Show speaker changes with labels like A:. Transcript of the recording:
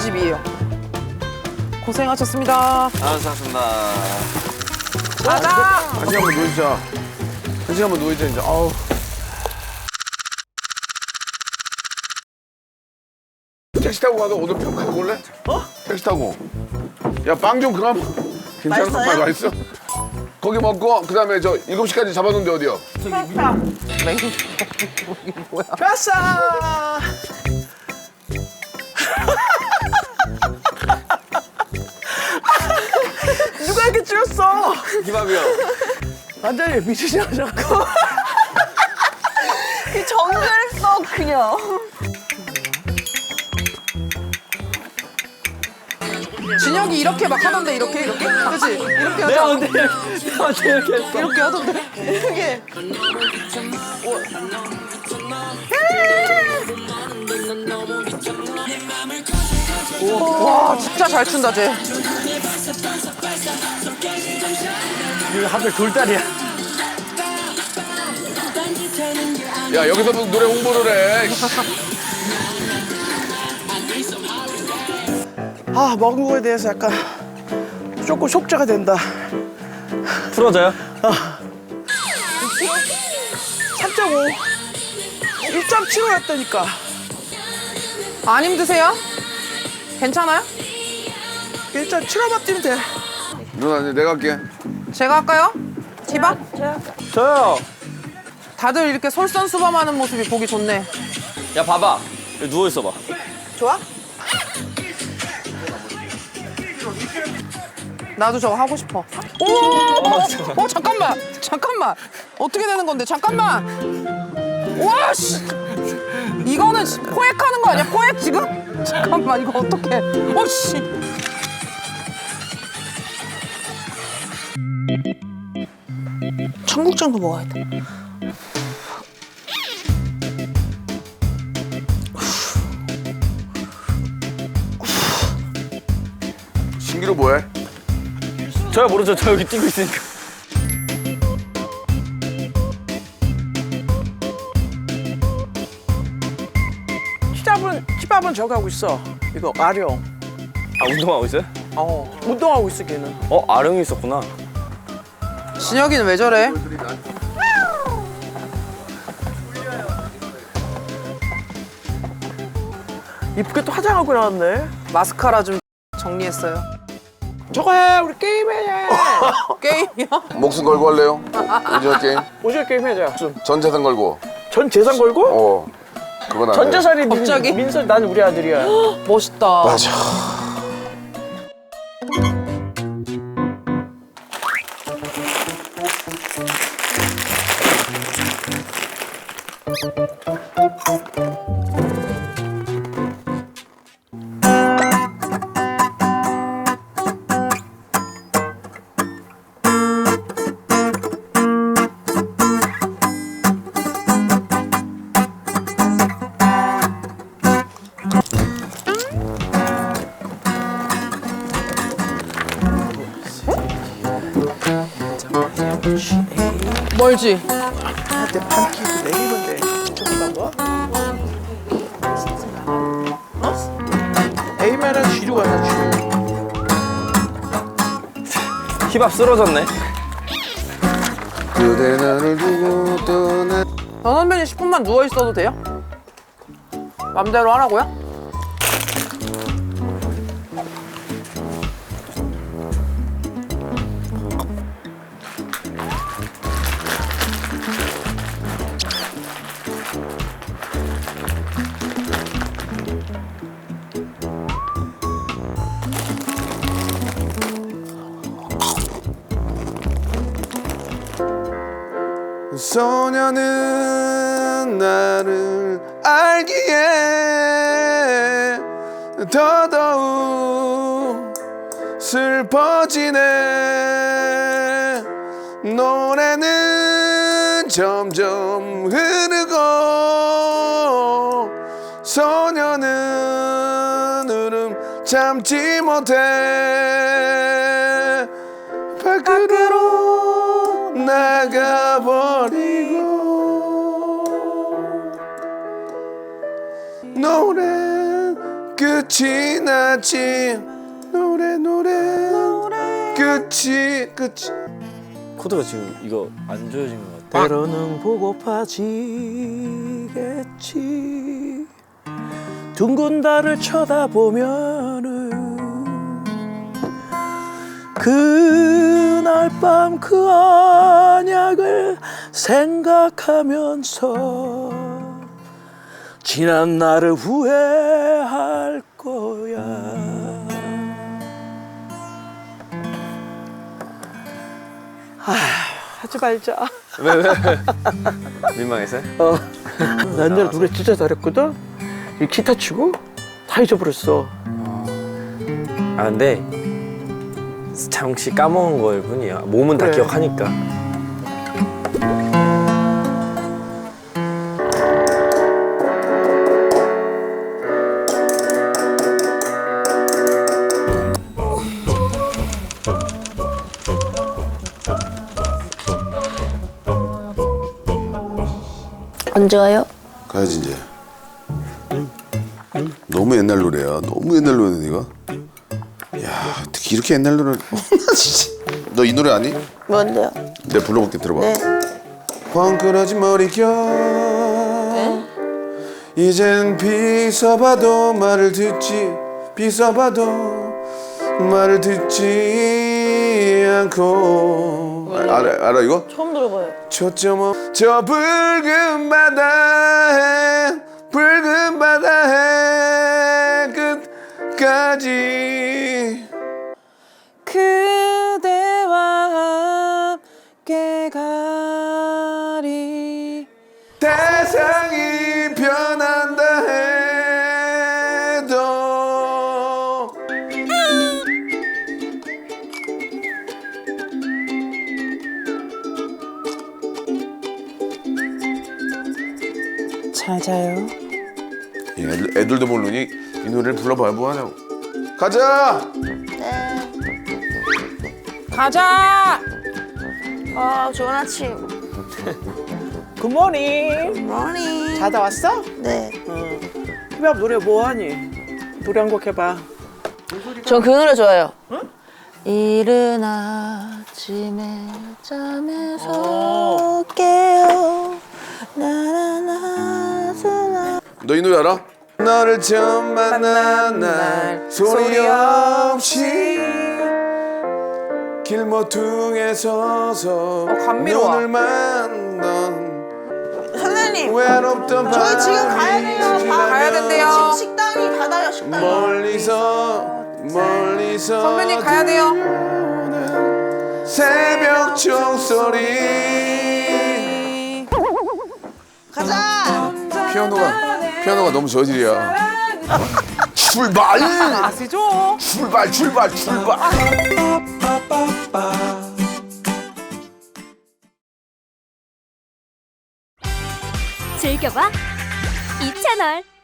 A: 집이에요. 고생하셨습니다.
B: 수고하셨습니다.
A: 가자.
C: 한시 한번 누워있자. 한시 한번 누워있자 이제. 아우. 택시 타고 가서 오늘 평가 볼래? 택시 타고. 야, 빵 좀 그럼. 괜찮아?
D: 맛있어요?
C: 맛있어? 거기 먹고 그다음에 저 7시까지 잡아놓은데 어디요?
A: 뭐야?
D: 가자. 누가 이렇게 찍었어?
B: 김밥이요.
D: 완전히 미치셔가지고. 이 정글 썩 그냥.
A: 진혁이 이렇게 막 하던데 이렇게? 그치? 이렇게
B: 내가
A: 하자.
B: 언제 이렇게 했어?
A: 이렇게 하던데?
D: 이게
A: 와 진짜 잘 춘다 쟤.
D: 이거 하필 돌다리야.
C: 야, 여기서 무슨 노래 홍보를 해.
D: 아, 먹은 거에 대해서 약간 조금 속죄가 된다.
B: 풀어져요?
D: 3.5. 1.75였다니까.
A: 안 힘드세요? 괜찮아요?
D: 1.75만 뛰면 돼.
C: 누나, 이제 내가 할게.
A: 제가 할까요? 티밥?
B: 저요.
A: 다들 이렇게 솔선수범하는 모습이 보기 좋네.
B: 야 봐봐. 여기 누워 있어봐.
D: 좋아?
A: 나도 저거 하고 싶어. 오! 잠깐만. 어떻게 되는 건데? 잠깐만. 와 씨. 이거는 포획하는 거 아니야? 포획 지금? 잠깐만 이거 어떡해? 씨. 청국장도 먹어야 돼.
C: 신기루 뭐해?
B: 저야 모르죠. 저 여기 뛰고 있으니까.
D: 치밥은 저거 하고 있어. 이거 아령.
B: 아 운동하고 있어요?
D: 운동하고 있어 걔는.
B: 아령이 있었구나.
A: 진혁이는 왜 저래?
D: 이쁘게 또 화장하고 나왔네.
A: 마스카라 좀 정리했어요.
D: 저거 해, 우리 게임해.
A: 게임이야?
C: 목숨 걸고 할래요? 오징어 게임?
D: 오징어 게임 해자.
C: 전 재산 걸고.
D: 전 재산 걸고?
C: 그건 안 돼.
D: 전 재산이
A: 갑자기?
D: 민설, 난 우리 아들이야.
A: 멋있다.
C: 맞아.
A: 멀지?
D: 한테 판 끼고 내리면 돼. 조금만 더. A면은 뒤로 가자, 뒤로.
B: 힙합 쓰러졌네.
C: 그대 나를 두고 떠나.
A: 전 선배님 10분만 누워 있어도 돼요? 맘대로 하라고요?
C: 소녀는 나를 알기에 더더욱 슬퍼지네. 노래는 점점 흐르고 소녀는 울음 참지 못해. 밖으로 나가버리고 노래 끝이 났지 노래 끝이
B: 코드가 지금 이거 안 좋아진 것 같아.
D: 때로는 보고파지겠지. 둥근 달을 쳐다보면은 그날 밤 그 언약을 생각하면서 지난 날을 후회할 거야. 하지 말자.
B: 왜? 민망해서?
D: 나 옛날에 노래 진짜 잘했거든. 이 기타 치고 다 잊어버렸어.
B: 아 근데 잠시 까먹은 걸 뿐이야. 몸은 다
D: 그래.
B: 기억하니까.
E: 언제 와요?
C: 가야지 이제. 너무 옛날 노래야. 너무 옛날 노래네 이거. 야 어떻게 이렇게 옛날 노래? 너 이 노래 아니?
E: 뭔데요?
C: 내가 불러볼게 들어봐.
E: 네.
C: 헝클어진 머리결 이젠 비서봐도 말을 듣지 비서봐도 말을 듣지 않고 알아 이거?
E: 처음 들어봐요.
C: 초점 저 붉은 바다에 끝까지
A: 그대와 함께 가리.
C: 세상이 변한다 해도
A: 잘 자요.
C: 애들도 모르니 이 노래를 불러봐야 뭐하냐고. 가자.
A: 가자.
E: 아, 좋은 아침.
D: 굿모닝.
E: 머니.
D: 자다 왔어?
E: 네.
D: 힙합 노래 뭐하니? 노래 한 곡 해봐.
E: 전 그 노래 좋아해요. 이른 아침에 잠에서 깨어 나나나스나.
C: 너 이 노래 알아? 너를 처음 만난 날 소리 없이 길모퉁에 서서
A: 감미로워.
C: 눈을 만난
E: 선생님,
C: 외롭던
E: 저희 지금
C: 밤이
E: 가야 돼요.
C: 지나면
A: 가야 된대요.
E: 식당이 닫아요, 식당이.
C: 멀리서
A: 선배님 가야 돼요.
C: 들려오는 새벽 종소리.
E: 가자.
C: 피아노가 너무 저질이야. 출발
A: 아시죠?
C: 출발.
F: 즐겨봐 이 채널.